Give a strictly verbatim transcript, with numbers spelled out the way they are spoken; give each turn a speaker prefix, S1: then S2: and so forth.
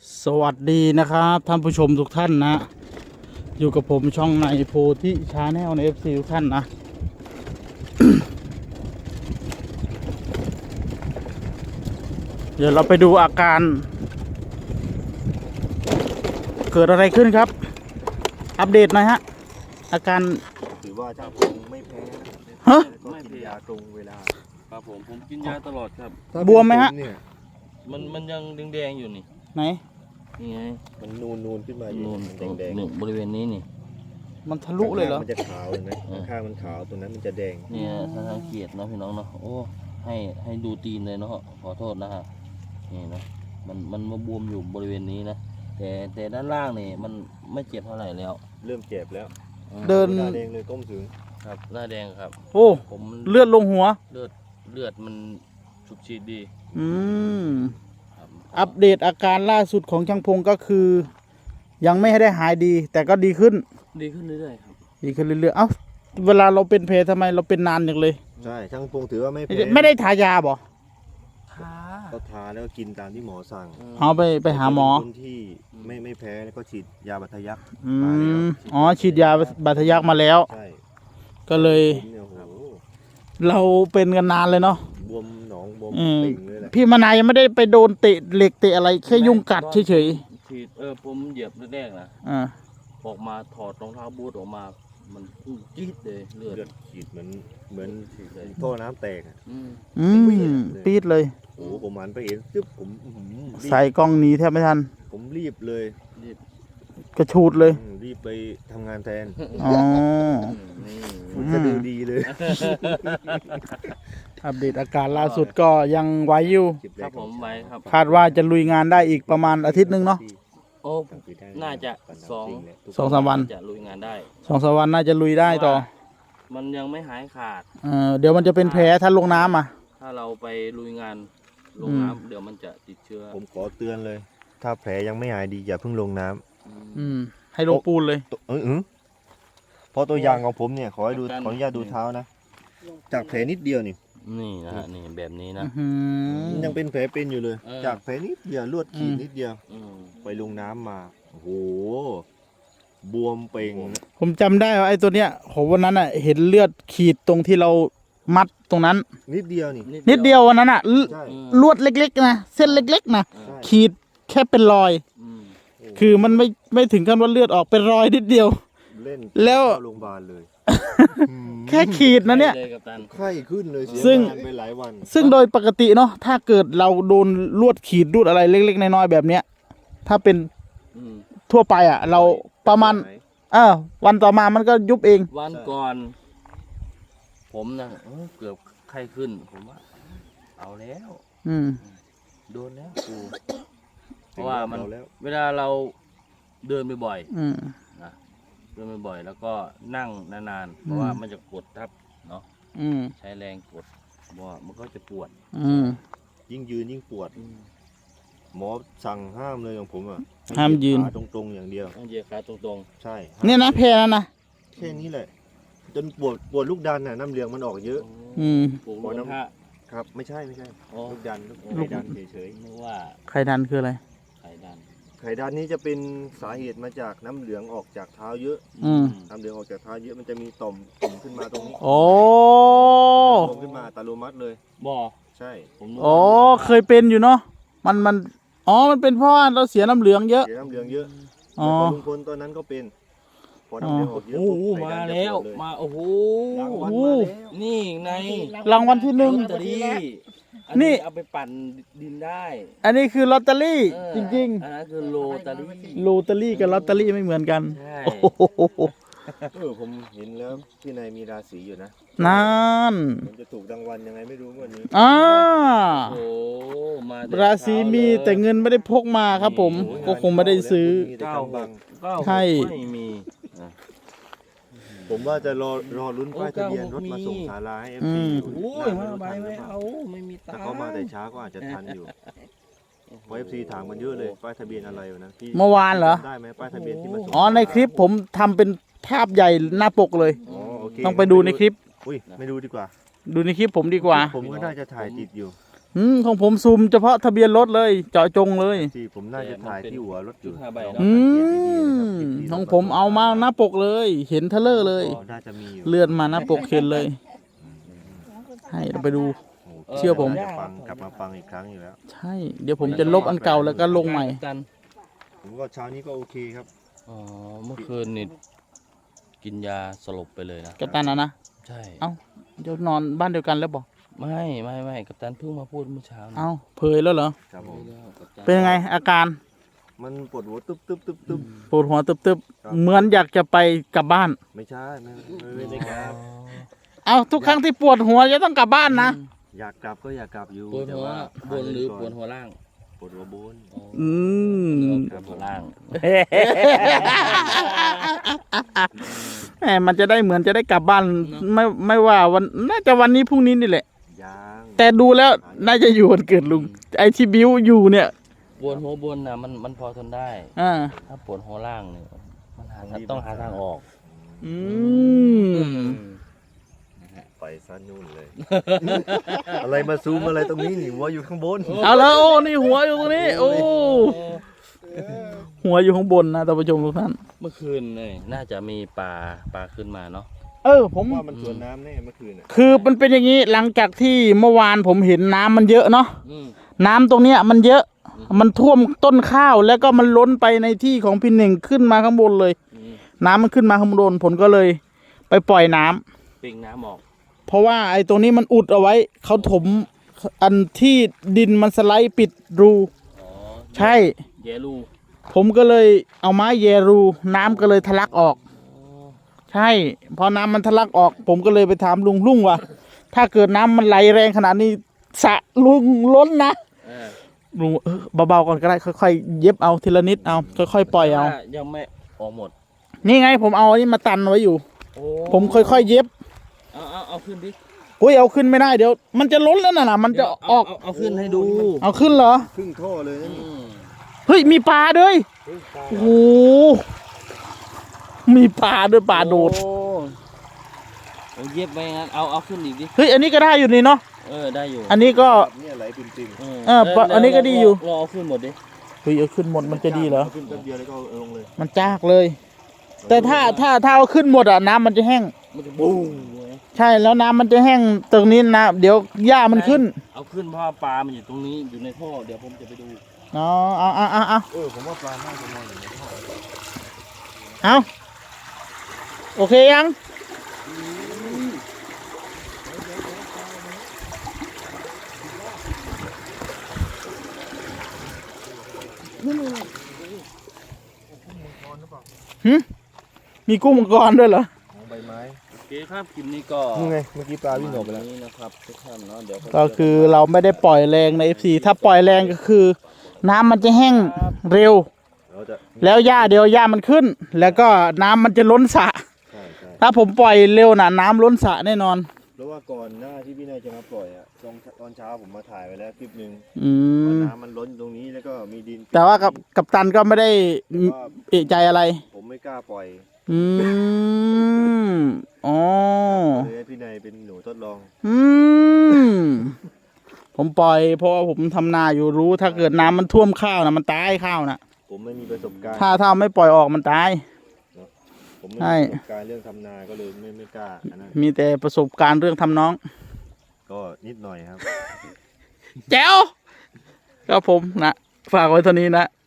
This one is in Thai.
S1: สวัสดีนะครับท่านผู้ชมทุกท่านนะอยู่กับผมช่องในโพธิชาแนลใน เอฟ ซี ทุกท่านนะ เดี๋ยวเราไปดูอาการเกิดอะไรขึ้นครับอัปเดตหน่อยฮะอาการ
S2: ถือว่าเจ้าคงไม่แพ้นะ
S1: ฮะ
S2: ก็กินยาตรงเวลา
S3: ครับผมผมกินยาตลอดครับ
S1: บวมไหมฮะ
S2: เนี่ย
S3: มันมันยังแดงๆอยู่นี่
S1: ไหน
S3: นี่ไง
S2: มันนูนนูนขึ้นมาอยู่
S3: นูน
S2: แดงแดง
S3: นี่บริเวณนี้นี่
S1: มันทะลุเลยเหรอ
S2: มันจะขาวเห็นไหมข้างมันขาวตรงนั้นมันจะแดง
S3: เนี่ยถ้าสังเกตเนาะพี่น้องเนาะโอ้ให้ให้ดูตีนเลยเนาะขอโทษนะฮะนี่นะมันมันมาบวมอยู่บริเวณนี้นะแต่แต่ด้านล่างนี่มันไม่เจ็บเท่าไหร่แล้ว
S2: เริ่มเจ็บแล้ว
S3: อืม
S1: เดิน
S2: หน้าแดงเลยก้มสูง
S3: ครับหน้าแดงครับ
S1: โอ้
S3: ผมมัน
S1: เลือดลงหัว
S3: เลือดเลือดมันฉุบฉีดดี
S1: อืม
S3: ครับ
S1: อัปเดตอาการล่าสุดของช่างพงก็คือ ยังไม่ได้หายดี แต่ก็ดีขึ้น
S3: ดีขึ้นเรื่อยๆครับ
S1: ดีขึ้นเรื่อยๆเอ้าเวลาเราเป็นแผลทำไมเราเป็นนานอย่างเลย
S2: ใช่ช่างพงถือว่าไม่แพ้
S1: ไม่ได้ทายาบ่
S3: ทา
S2: ก็ทาแล้วก็กินตามที่หมอสั่ง
S1: เอาไปไปหาหมอ
S2: คนที่ไม่ไม่แพ้แล้วก็ฉีดยาบัตยัก
S1: อื
S2: มาแล้ว
S1: มอ๋อฉีดยาบาดทะยักมาแล้ว
S2: ใช่
S1: ก็เลย
S2: ผมเนี่ยโอ้โห
S1: เราเป็นกันนานเลยเนาะ
S2: บวมหนองบวม
S1: อืม
S2: เป่งเลยแหละ
S1: พี่มานายยังไม่ได้ไปโดนเตะเหล็กเตะอะไรแค่ยุงกัดเฉย
S3: ฉีดเออผมเหยียบแรกๆนะ
S1: ๆอ่า
S3: ออกมาถอดรองเท้าบูทออกมา มันพุ่งจี๊ดเลยเลือด
S2: เลือดฉีดเหมือนเหมือน
S3: ฉีดเลย
S2: ท่อน้ำแตกอะ
S3: อืม
S1: อืมปี๊ดเลย
S2: โอ้โหผมหันไปเห็นซึบผมอื้อหือรีบ
S1: ใส่กล้องหนีแทบไม่ทัน
S2: ผมรีบเลย
S3: รีบ
S1: กระชูดเลย
S2: อืมรีบไปทำงานแทน
S1: อ๋อ
S3: นี่
S2: มันจะดูดีเลย
S1: อัปเดตอาการล่าสุดก็ยังไหวอยู่
S3: ครับผมไว้ครับ
S1: คาดว่าจะลุยงานได้อีกประมาณอาทิตย์หนึ่งเนาะ
S3: โอ้ น่าจะสอง
S1: สองสามวัน
S3: จะลุยงานได้
S1: สองสามวันน่าจะลุยได้ต่อ
S3: มันยังไม่หายขาด
S1: เออเดี๋ยวมันจะเป็นแผลถ้าลงน้ำอ่ะ
S3: ถ้าเราไปลุยงานลง
S1: อืม
S3: น้ำเดี๋ยวมันจะติดเชื้อ
S2: ผมขอเตือนเลย ถ้าแผลยังไม่หายดีอย่าเพิ่งลงน้ำ
S3: อืม
S1: อืม ให้ลงปูนเลย
S2: ตัวเออเออเพราะตัวอย่างของผมเนี่ยขอให้ดูขออนุญาตดูเท้านะ จากแผลนิดเดียวนี่
S3: นี่นะฮะนี่แบบนี้นะ
S1: อื้อหือ
S2: มันยังเป็นแผลเป็นอยู่เลย
S3: เออ
S2: จากแผลนิดเดียวลวดขีด
S1: อืม
S2: นิดเดียว
S3: อืม
S2: ไปลงน้ำมาโอ้โหบวมเป่ง
S1: ผมจำได้ว่าไอ้ตัวเนี้ยผมวันนั้นอ่ะเห็นเลือดขีดตรงที่เรามัดตรงนั้น
S2: นิดเดียวนี่
S1: นิดเดียววันนั้นอ่ะล
S2: ใช่
S3: อืม
S1: ลวดเล็กๆนะเส้นเล็กๆนะ
S2: ใช่
S1: ขีดแค่เป็นรอย
S3: อืม
S1: คือมันไม่ไม่ถึงขั้นว่าเลือดออกเป็นรอยนิดเดียว
S2: เล่น
S1: แล้ว
S2: เข้าโรงพยาบาลเลย
S1: แค่ขีดนะเนี่ย
S3: ไปเลยกัปตัน
S2: ไข้ขึ้นเลยเสีย
S1: ซึ่ง
S2: งานไปหลายวัน
S1: ซึ่งโดยปกติเนาะถ้าเกิดเราโดนลวดขีดรูดอะไรเล็กๆน้อยๆแบบเนี้ยถ้าเป็น
S3: อืม
S1: ทั่วไปอ่ะ เราประมาณเออวันต่อมามันก็ยุบเอง
S3: วันก่อน ผมนะเออเกือบไข้ขึ้น ผมว่า เอาแล้ว
S1: อืม
S3: โดนแล้วกูเพราะว่ามัน
S2: เอาแล้ว
S3: เวลาเราเดินบ่อย
S1: อืม
S3: ๆนะเดินบ่อยๆแล้วก็นั่งนานๆเพราะว่ามันจะกดทับเนาะ
S1: อืม
S3: ใช้แรงกดว่ามันก็จะปวด
S1: อืม
S2: ยิ่งยืนยิ่งปวด หมอสั่งห้ามเลยของผมอ่ะ
S1: ห้ามยืน
S2: ขาตรงๆอย่างเดียว
S3: ต้องเหยียดขาตรง
S2: ใช่
S1: เนี่ยนะแพ้แล้วนะ
S2: แค่นี้แหละ จนปวดปวดลูกดันน่ะน้ำเหลืองมันออกเย
S3: ๆ
S2: อะ
S1: อืม
S3: ปวด
S2: ปวด
S3: น้ำ
S2: น้ำ
S3: ผ้า
S2: ครับ ไม่ใช่ไม่ใช่
S3: อ๋อ
S2: ลูกดันลูก
S3: ลูก
S2: ไข่ดันเฉย
S3: นึกว่า
S1: ใครดันคืออะไร
S3: ไข่ดัน
S2: ๆไข่ดันนี้จะเป็นสาเหตุมาจากน้ำเหลืองออกจากเท้าเยอะ
S1: อืม
S2: น้ำเหลืองออกจากเท้าเยอะมันจะมีต่อมตุ่มขึ้นมาตรงนี้
S1: โอ้
S2: ตุ่มขึ้นมาอัตโนมัติเลย
S3: บ่อ
S2: ใช่
S3: ผมนึก
S1: โอ้
S3: ว่า
S1: เคยเป็นอยู่เนาะมันมันอ๋อมันเป็นเพราะว่าเราเสียน้ำเหลืองเยอะ
S2: เสียน้ำเหลืองเยอะ
S1: อ๋อ
S2: แล้วก็ลุงพลตอนนั้นก็เป็นพอน้ำเหลืองออกเยอะ
S3: โอ้
S2: ปุ๊บ
S3: โห
S2: ไข่
S3: มา
S2: ดันจะ
S3: แล้ว
S2: ปดเย
S3: มาโอ้โห
S2: รางวัล
S1: โอ้
S2: มาแล้ว
S3: นี่ใน
S1: รางวัลที่หนึ่ง
S3: ลอตเตอรี่อัน
S1: นี่
S3: นี้เอาไปปั่นดินได้
S1: อันนี้คือลอตเตอรี่
S3: เออ
S1: จริง
S3: อันนั้นคือโลตอรี่
S1: ๆลอตเตอรี่กับลอตเตอรี่ไม่เหมือนกัน
S3: ใช่
S1: โอ้โห
S2: เออผมเห็นแล้วพี่นายมีราศีอยู่นะ
S1: นั่น
S2: มันจะถูกรางวัลยังไงไม่รู้งวันนี้
S1: อ่า
S3: โอ้มาแต่
S1: ราศีมี
S3: เช้าเลย
S1: แต่เงินไม่ได้พกมาครับผม
S2: โอ้ย
S1: ก็คงไม่ได้ซื้อ
S2: มีแต่
S3: เก้าก
S2: ำบัง
S3: เก้าหก
S1: ใช่
S3: ไม่มีอ่ะ
S2: ผมว่าจะรอรอลุ้น
S3: โอ้
S2: ป้ายทะเบียนรถ
S3: เก้าหก
S2: มาส่งศาลาให้เอฟ
S1: อื
S2: ซี
S1: ม
S2: อยู่
S3: โอ้ย
S2: น่
S3: มา
S2: จะ
S3: ใบ
S2: ทันหรื
S3: ไม่
S2: อเปล่า
S3: เอาไม่มีตั
S2: ถ้าง
S3: ค์
S2: เขามาแต่ช้าก็อาจจะทันอยู่เพราะเอฟซีถามกันเยอะเลยป้ายทะเบียนอะไรวะนะพี่
S1: เมื่อวานเหรอ
S2: จำได้ไหมป้ายทะเบียนที่มาส่ง
S1: อ๋อในคลิปผมทำเป็นภาพใหญ่หน้าปกเลย
S2: อ๋อโอเค
S1: ต้องไปดูในคลิป
S2: อุ้ยไม่ดูดีกว่า
S1: ดูในคลิปผมดีกว่า
S2: ผมก็น่าจะถ่ายติดอยู่
S1: อืมของผมซูมเฉพาะทะเบียนรถเลย เจาะจงเลย
S2: ที่ผมน่าจะถ่ายที่หัวรถอยู่
S3: จุดห้าใบ
S2: ลอง
S3: เนาะ
S1: อื
S2: สังเกตดีๆนะครับ
S1: มของผมเอามาหน้าปกเลย เห็นเทเลอร์เลย
S2: ก็น่าจะมีอยู่
S1: เลื่อนมาหน้าปกเห็นเลย ให้เราไปดู
S2: โอ้โห
S1: เชื่อผม
S2: จะฟังกลับมาฟังอีกครั้งอยู่แล้ว
S1: ใช่ เดี๋ยวผมจะลบอันเก่าแล้วก็ลงใหม่
S3: กัน
S2: ผมก็เช้านี้ก็โอเคครับ
S3: อ๋อเมื่อคืนนี่กินยาสลบไปเลยนะ
S1: กัปตันนะนะ
S3: ใช่
S1: เอ้า เดี๋ยวนอนบ้านเดียวกันแล้วบอก
S3: ไม่ไม่ไม่กัปตันเพิ่งมาพูดเมื่อเช้านะ
S1: เอ้าเผยแล้วเหรอ
S2: ครับผม
S3: กัปตัน
S1: เป็นยังไงอาการ
S2: มันปวดหัวตึ๊บตึ๊บตึ๊บตึ๊บ
S1: ปวดหัวตึบ
S2: ครับ
S1: ๆ เหมือนอยากจะไปกลับบ้าน
S2: ไม่ใช่ไม่ไม่ไม่ได้ครับ
S1: เอ้าทุกครั้งที่ปวดหัวจะต้องกลับบ้านนะ
S2: อยากกลับก็อยากกลับอยู่
S3: ปวด
S2: แต่
S3: หัว
S2: ว่า
S3: บนหรือปวดหัวล่าง
S2: ปวดหัวบน
S1: อืม
S3: ปวดหัวล่าง
S1: แหมมันจะได้เหมือนจะได้กลับบ้าน ไม่ไม่ว่าวันน่าจะวันนี้พรุ่งนี้นี่แหละ
S2: ยาง
S1: แต่ดูแล้วน่าจะอยู่วันเกิดลุง ไอที่บิวอยู่เนี่ย
S3: ปวดหัวบนนะมันมันพอทนได้
S1: อ่า
S3: ถ้าปวดหัวล่างเนี่ยมันหาทางต้องหาทางออก
S1: อืม
S2: ไปซะนู่นเลย อะไรมาซูมอะไรตรงนี้นี่หัวอยู่ข้างบน
S1: เอาแล้วโอ้นี่หัวอยู่ตรงนี้ โอ้หัวอยู่ข้างบนนะท่านผู้ชมทุกท่าน
S3: เมื่อคืนเนี่ยน่าจะมีปลาปลาขึ้นมาเนาะ
S1: เออผม
S2: ว่ามันสวนน้ำแน่เมื่อคืนน่ะ
S1: คือมันเป็นอย่างนี้หลังจากที่เมื่อวานผมเห็นน้ำมันเยอะเนาะ
S3: อืม
S1: น้ำตรงเนี้ยมันเยอะ มันท่วมต้นข้าวแล้วก็มันล้นไปในที่ของพี่เน่งขึ้นมาข้างบนเลย
S3: อืม
S1: น้ำมันขึ้นมาข้างบนผมก็เลย ไปปล่อยน้ำ
S3: ปิงน้ำออก
S1: เพราะว่าไอ้ตรงนี้มันอุดเอาไว้เขาถมอันที่ดินมันสไลด์ปิดรู
S3: อ๋อ
S1: ใช่
S3: เยลู
S1: ผมก็เลยเอาไม้แยรู น้ำก็เลยทะลักออก ใช่พอน้ำมันทะลักออก ผมก็เลยไปถามลุงลุงว่าถ้าเกิดน้ำมันไหลแรงขนาดนี้สระลุงล้นนะ
S3: เออ
S1: ลุงเออเบาๆก่อนก็ได้ค่อยๆเย็บเอาทีละนิดเอาค่อยๆปล่อยเอา
S3: ถ้ยังไม่ออกหมด
S1: นี่ไงผมเอาอันนี้มาตันไว้อยู่
S3: โอ้
S1: ผมค่อยๆเย็บ
S3: เอาเอาเอาขึ้นดิ
S1: อุ้ยเอาขึ้นไม่ได้เดี๋ยว มันจะล้นแล้วน่ะนะมันจะ
S3: เดี๋ยว
S1: ออก
S3: เาเอาขึ้นให้ดู
S1: เอาขึ้นเหรอ
S2: ครึ่งท่อเลยนะ
S3: อื
S2: นี่
S3: ม
S1: เฮ้ยมีปลาด้วย
S2: เฮ้ยตาย
S1: โอ้โหมีปลาด้วยปลาโดด
S3: โอ้เอาเย็บไปงั้นเอาเอาขึ้นอีกดิ
S1: เฮ้ยอันนี้ก็ได้อยู่นี่เนาะ
S3: เออได้อยู่
S1: อันนี้ก็
S2: แบบเนี่ยไหลปิ่ม
S3: ม
S1: เออปะ
S3: แล้ว
S1: อันนี้ก็ดีอยู่
S3: รอเอาขึ้นหมดดิ
S1: เฮ้ยเอาขึ้นหมด
S2: ๆ
S1: มันจะดีเหรอ
S2: ขึ้นแป๊บเดียวแล้วก็เอาลงเลย
S1: มันจากเลย แต่ถ้าถ้าถ้าเอาขึ้นหมดอ่ะน้ำมันจะแห้ง
S3: มันจะบูมเลย
S1: ใช่แล้วน้ำมันจะแห้งตรงนี้นะเดี๋ยวหญ้ามันขึ้น
S3: เอาขึ้นเพราะว่าปลา มันอยู่ตรงนี้อยู่ในท่อเดี๋ยวผมจะไปดู
S1: อ๋อเอาเอาเอาเอา
S2: เออผมว่าปลาน่าจะนอนอยู่ในท่อ
S1: เอาโอเคยังหึมีกุ้งมังกรด้วยเหรอ
S2: ของใบไม้
S3: โอเคครับคลิปนี้ก็
S2: นี่ไงเมื่อกี้ปลาวิ่งออกไปแล้ว
S3: นี้นะครับทุกท่านเนาะเดี๋ยว
S1: ก็คือเราไม่ได้ปล่อยแรงใน เอฟ ซี ถ้าปล่อยแรงก็คือ น้ำมันจะแห้งเร็ว
S2: เราจะ
S1: แล้วหญ้าเดี๋ยวหญ้ามันขึ้น แล้วก็น้ำมันจะล้นสระ
S2: ใช่ใช่
S1: ถ้าผมปล่อยเร็วน่ะน้ำล้นสระแน่นอน
S2: เพราะว่าก่อนหน้าที่พี่นายจะมาปล่อยอ่ะตอนตอนเช้าผมมาถ่ายไว้แล้วคลิปหนึ่ง
S1: อื
S2: ว่าม น้ำมันล้นอยู่ตรงนี้แล้วก็มีดิน
S1: แต่ว่ากับกับตันก็ไม่ได้
S2: แต่ว่า
S1: เอะใจอะไร
S2: ผมไม่กล้าปล่อย
S1: อืมอ๋อ
S2: เลยให้พี่นายเป็นหนูทดลอง
S1: อืมผมปล่อย เพราะว่าผมทำนาอยู่รู้ ถ้าเกิดน้ำมันท่วมข้าวนะมันตายข้าวนะ
S2: ผมไม่มีประสบการณ์
S1: ถ้าถ้าไม่ปล่อยออกมันตาย
S2: ผมไม่
S1: ใช่
S2: มีประสบการณ์เรื่องทำนาก็เลยไม่ไม่กล้าอันนั้น
S1: มีแต่ประสบการณ์เรื่องทำน้อง
S2: ก็นิดหน่อยครับ
S1: แจ๋วก็ผมนะฝากไว้เท่านี้นะ